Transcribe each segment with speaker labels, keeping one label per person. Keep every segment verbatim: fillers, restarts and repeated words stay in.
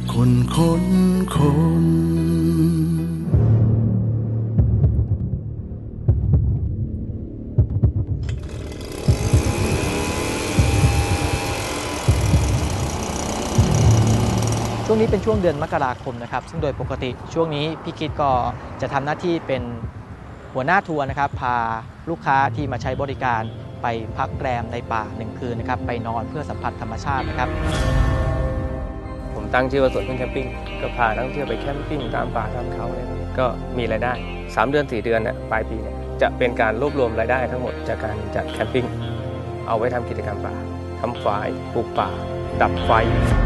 Speaker 1: คนค้นคน
Speaker 2: ช่วงนี้เป็นช่วงเดือนมกราคมนะครับซึ่งโดยปกติช่วงนี้พี่คิดก็จะทำหน้าที่เป็นหัวหน้าทัวร์นะครับพาลูกค้าที่มาใช้บริการไปพักแรมในป่าหนึ่งคืนนะครับไปนอนเพื่อสัมผัสธรรมชาตินะครับ
Speaker 3: ผมตั้งชื่อว่าสวนพึ่งแคมปิ้งก็พานักท่องเที่ยวไปแคมปิ้งตามป่าตามเขาอะไรพวกนี้ก็มีรายได้สามเดือนสี่เดือนเนี่ยปลายปีเนี่ยจะเป็นการรวบรวมรายได้ทั้งหมดจากการจัดแคมปิ้งเอาไว้ทำกิจกรรมป่าทำฝายปลูกป่าดับไฟ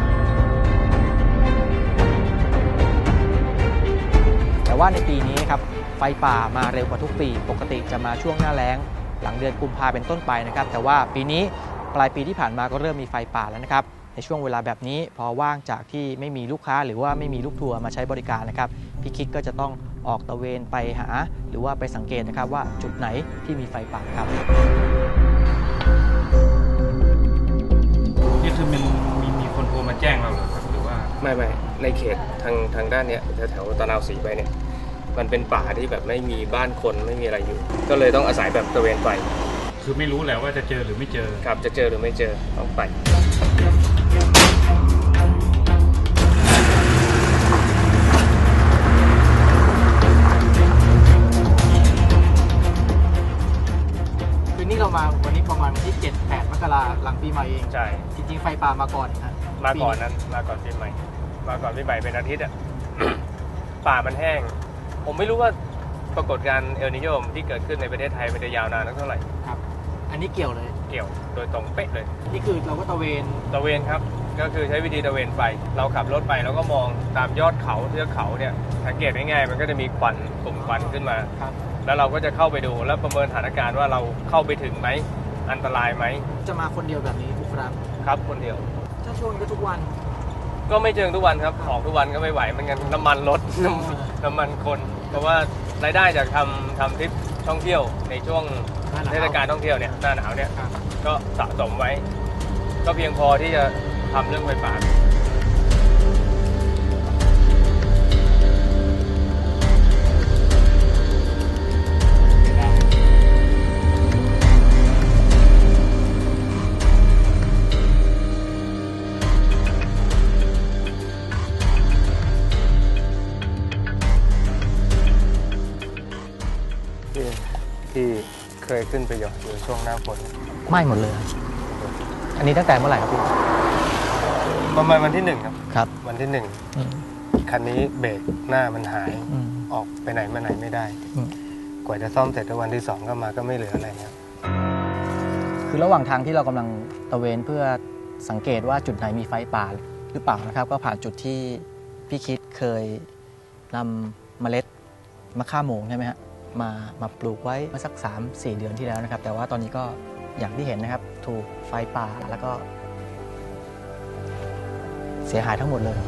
Speaker 2: แต่ว่าในปีนี้ครับไฟป่ามาเร็วกว่าทุกปีปกติจะมาช่วงหน้าแล้งหลังเดือนกุมภาเป็นต้นไปนะครับแต่ว่าปีนี้ปลายปีที่ผ่านมาก็เริ่มมีไฟป่าแล้วนะครับในช่วงเวลาแบบนี้พอว่างจากที่ไม่มีลูกค้าหรือว่าไม่มีลูกทัวร์มาใช้บริการนะครับพี่คิดก็จะต้องออกตระเวนไปหาหรือว่าไปสังเกตนะครับว่าจุดไหนที่มีไฟป่าครับ
Speaker 4: นี่คือมันมีมีคนโทรมาแจ้งเราเหรอครับหรือว่า
Speaker 3: ไม่ไม่ในเขตทางทางด้านเนี้ยแถวๆตะนาวศรีไปเนี่ยมันเป็นป่าที่แบบไม่มีบ้านคนไม่มีอะไรอยู่ก็เลยต้องอาศัยแบบตระเวนไป
Speaker 4: คือไม่รู้แหละว่าจะเจอหรือไม่เจอ
Speaker 3: ครับจะเจอหรือไม่เจอต้องไป
Speaker 2: คือนี่เรามาวันนี้ประมาณวันที่เจ็ด แปดมกราหลังปีใหม่เอง
Speaker 3: ใช่
Speaker 2: จริงๆไฟป่ามาก่อนนะ
Speaker 3: มาก่อนนั้นมาก่อนปีใหม่มาก่อนปีใหม่เป็นอาทิตย์อ่ะ ป่ามันแห้งผมไม่รู้ว่าปรากฏการณ์เอลนิโญที่เกิดขึ้นในประเทศไทยมันจะยาวนานเท่าไหร่
Speaker 2: ครับอันนี้เกี่ยวเลย
Speaker 3: เกี่ยวโดยตรงเป๊ะเลย
Speaker 2: นี่คือเราก็ตะเวน
Speaker 3: ตะเวนครับก็คือใช้วิธีตะเวนไปเราขับรถไปแล้วก็มองตามยอดเขาเทือกเขาเนี่ยสังเกตง่ายๆมันก็จะมีควันกลุ่มควันขึ้นมาแล้วเราก็จะเข้าไปดูแล้วประเมินสถานการณ์ว่าเราเข้าไปถึงไหมอันตรายไหม
Speaker 2: จะมาคนเดียวแบบนี้ทุกครั้ง
Speaker 3: ครับคนเดียว
Speaker 2: ถ้าช่วงก็ทุกวัน
Speaker 3: ก็ไม่เชิงทุกวันครับออกทุกวันก็ไม่ไหวมันกันน้ำมันรถน้ำมันคนเพราะว่ารายได้จากทำทำทริปท่องเที่ยวในช่วงเทศกาลท่องเที่ยวเนี่ยหน้าหนาวเนี่ยก็สะสมไว้ก็เพียงพอที่จะทำเรื่องไฟป่าที่เคยขึ้นไปหยอดอยู่ช่วงหน้าฝน
Speaker 2: ไม่หมดเลยอันนี้ตั้งแต่เมื่อไหร่ครับพี่
Speaker 3: ประมาณวันที่หนึ่งครับ
Speaker 2: ครับ
Speaker 3: วันที่หนึ่งคันนี้เบรกหน้ามันหายออกไปไหนมาไหนไม่ได้กว่าจะซ่อมเสร็จวันที่สองก็มาก็ไม่เหลืออะไรครับ
Speaker 2: คือระหว่างทางที่เรากำลังตระเวนเพื่อสังเกตว่าจุดไหนมีไฟป่าหรือเปล่านะครับก็ผ่านจุดที่พี่คิดเคยนำเมล็ดมะข่าโมงใช่ไหมฮะมามาปลูกไว้เมื่อสัก สามสี่ เดือนที่แล้วนะครับแต่ว่าตอนนี้ก็อย่างที่เห็นนะครับถูกไฟป่าแล้วก็เสียหายทั้งหมดเลย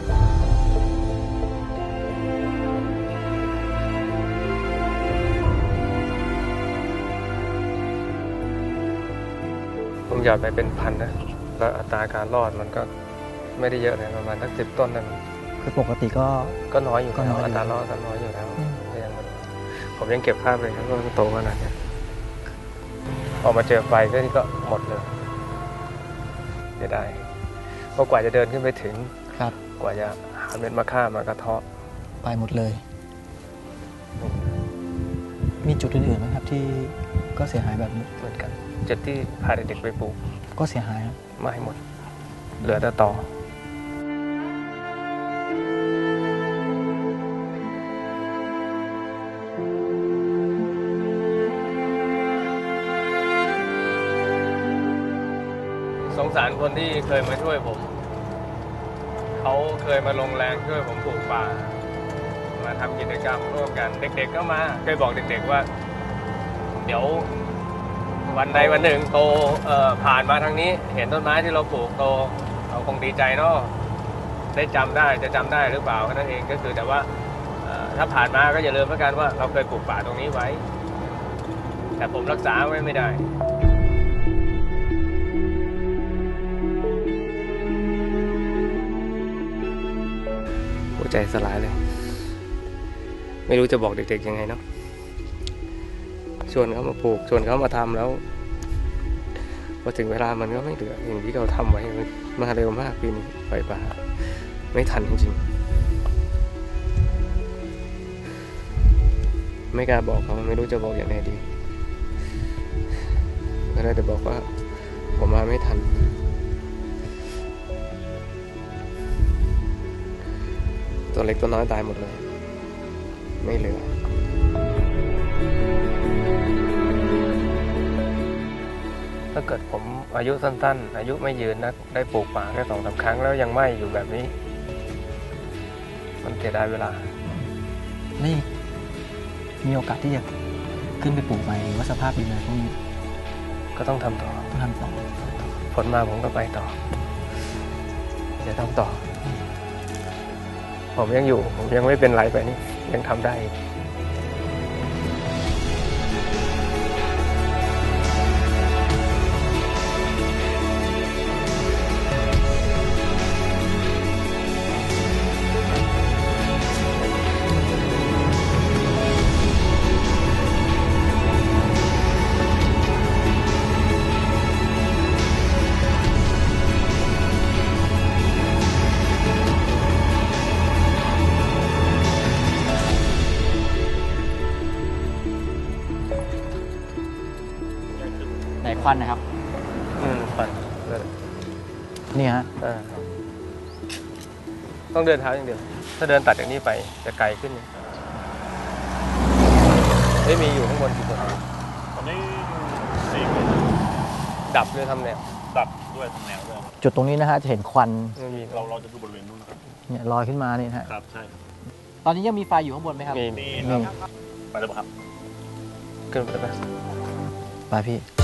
Speaker 3: ผมหยอดไปเป็นพันนะแล้วอัตราการรอดมันก็ไม่ได้เยอะเลยประมาณสักสิบต้นนั่น
Speaker 2: คือปกติก็
Speaker 3: ก็น้อยอยู่แล้วอัตรารอดก็น้อยอยู่แล้วผมยังเก็บภาพเลยครับว่าโตขนาดนี้ออกมาเจอไฟก็นี่ก็หมดเลยจะได้เพราะกว่าจะเดินขึ้นไปถึง
Speaker 2: ครับ
Speaker 3: กว่าจะหาเม็ดมะข่ามากระเทาะ
Speaker 2: ไปหมดเลยมีจุดอื่นๆไหมครับที่ก็เสียหายแบบนี้
Speaker 3: เหมือนกันจุดที่พาเด็กๆไปปลูก
Speaker 2: ก็เสียหาย
Speaker 3: ไม่หมดเหลือแต่ตอสงสารคนที่เคยมาช่วยผมเขาเคยมาลงแรงช่วยผมปลูกป่ามาทำกิจกรรมร่วมกันเด็กๆก็มาเคยบอกเด็กๆว่าเดี๋ยววันใดวันหนึ่งโตเอ่อผ่านมาทางนี้เห็นต้นไม้ที่เราปลูกโตเราคงดีใจเนาะได้จำได้จะจำได้หรือเปล่าแค่นั้นเองก็คือแต่ว่าถ้าผ่านมาก็อย่าลืมแล้วกันว่าเราเคยปลูกป่าตรงนี้ไว้แต่ผมรักษาไว้ไม่ได้หัวใจสลายเลย ไม่รู้จะบอกเด็กๆยังไงเนาะชวนเขามาปลูกชวนเขามาทำแล้วพอถึงเวลามันก็ไม่เหลืออย่างที่เราทำไว้มาเร็วมากปีนี้ไฟป่าไม่ทันจริงๆไม่กล้าบอกเขาไม่รู้จะบอกอย่างไรดีก็ได้แต่บอกว่าผมมาไม่ทันตัวเล็กตัวน้อยตายหมดเลยไม่เหลือถ้าเกิดผมอายุสั้นๆอายุไม่ยืนนะได้ปลูกป่าแค่สองสาครั้งแล้วยังไม่อยู่แบบนี้ มันเสียดายเวลา
Speaker 2: นี่มีโอกาสที่จะขึ้นไปปลูกใหม่หรือว่าสภาพดินอะไรพวกนี้
Speaker 3: ก็ต้องทำต่อ
Speaker 2: ต้องทำต่อ
Speaker 3: ผลมาผมก็ไปต่อจะทำต่อ ผมยังอยู่ผมยังไม่เป็นไรไปนี่ยังทำได้
Speaker 2: ไหนควันนะครับ
Speaker 3: อืมปั่น
Speaker 2: นี่ฮะ
Speaker 3: อ่าต้องเดินเท้าอย่างเดียว ถ้าเดินตัดจากนี้ไปจะไกลขึ้นไม่มีอยู่ข้างบนกี่คน
Speaker 1: ตอนนี้สี่คน
Speaker 3: ดับเลยทำแนว
Speaker 1: ดับด้วยทางแนวด้วย
Speaker 2: จุดตรงนี้นะฮะจะเห็นควัน
Speaker 3: ไม่มี
Speaker 1: เราเราจะดูบริเวณนู้นนะครับ
Speaker 2: เนี่ยลอยขึ้นมานี่นะฮะ
Speaker 1: ครับใช่ครับ
Speaker 2: ตอนนี้ยังมีไฟอยู่ข้างบนไหมครับ
Speaker 3: มี
Speaker 1: นี่
Speaker 2: มี
Speaker 1: ครับไปแล้วครับ
Speaker 3: ขึ้นไปแล้ว
Speaker 2: ไปพี่